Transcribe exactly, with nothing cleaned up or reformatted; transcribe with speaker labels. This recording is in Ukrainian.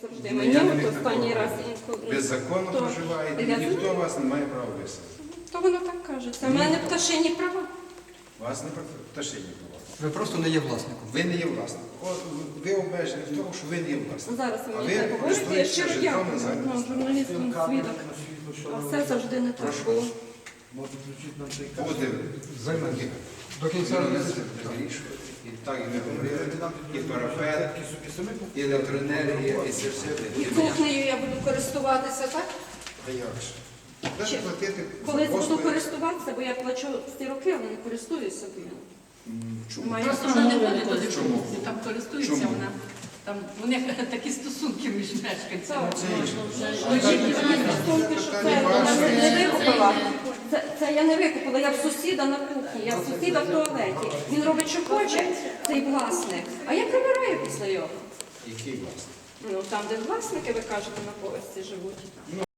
Speaker 1: завжди.
Speaker 2: Ну,
Speaker 1: Мені
Speaker 2: я не
Speaker 1: от
Speaker 2: міг
Speaker 1: останній
Speaker 2: такого.
Speaker 1: раз інколи.
Speaker 2: Ви законно
Speaker 1: То-
Speaker 2: проживаєте,
Speaker 1: Я
Speaker 2: ніхто
Speaker 1: знаю.
Speaker 2: вас не має права виселити.
Speaker 1: То воно так каже. Це в мене пташині права.
Speaker 2: Вас не пташині права.
Speaker 3: Ви просто не є власником.
Speaker 2: Ви не є власником. От ви обмежені в тому, що ви не є власником.
Speaker 1: Зараз ви
Speaker 2: А
Speaker 1: мені так
Speaker 2: ви
Speaker 1: говорите, я
Speaker 2: користуєтеся
Speaker 1: щиро
Speaker 2: житлом
Speaker 1: дякую.
Speaker 2: на
Speaker 1: Ну,
Speaker 2: захист.
Speaker 1: журналістам свідок. А все завжди не так
Speaker 2: Прошу
Speaker 1: було.
Speaker 2: вас. Буде
Speaker 3: Займайтеся. До кінця року.
Speaker 2: вирішувати. І так і ми говорили, і парафет, і електроенергія, і це все.
Speaker 1: І кухнею я буду користуватися, так?
Speaker 2: А як же? Даже платити
Speaker 1: Колись буду
Speaker 2: послуги.
Speaker 1: користуватися, бо я плачу ці роки, але не користуюся. бо я
Speaker 2: Чому?
Speaker 1: маю
Speaker 4: Просто вона не ходить до
Speaker 2: Чому?
Speaker 4: дискусії, там користується
Speaker 2: Чому?
Speaker 4: вона. Там у них такі стосунки між мешканцями.
Speaker 1: Так.
Speaker 2: Це інше.
Speaker 1: Стосунки, що це я не викупила. Це, це я не викупила, я в сусіда на кухні, я в сусіда в туалеті. Він робить, що хоче, цей власник. А я прибираю після його.
Speaker 2: Який власник?
Speaker 1: Ну, там, де власники, ви кажете, на поверсі живуть.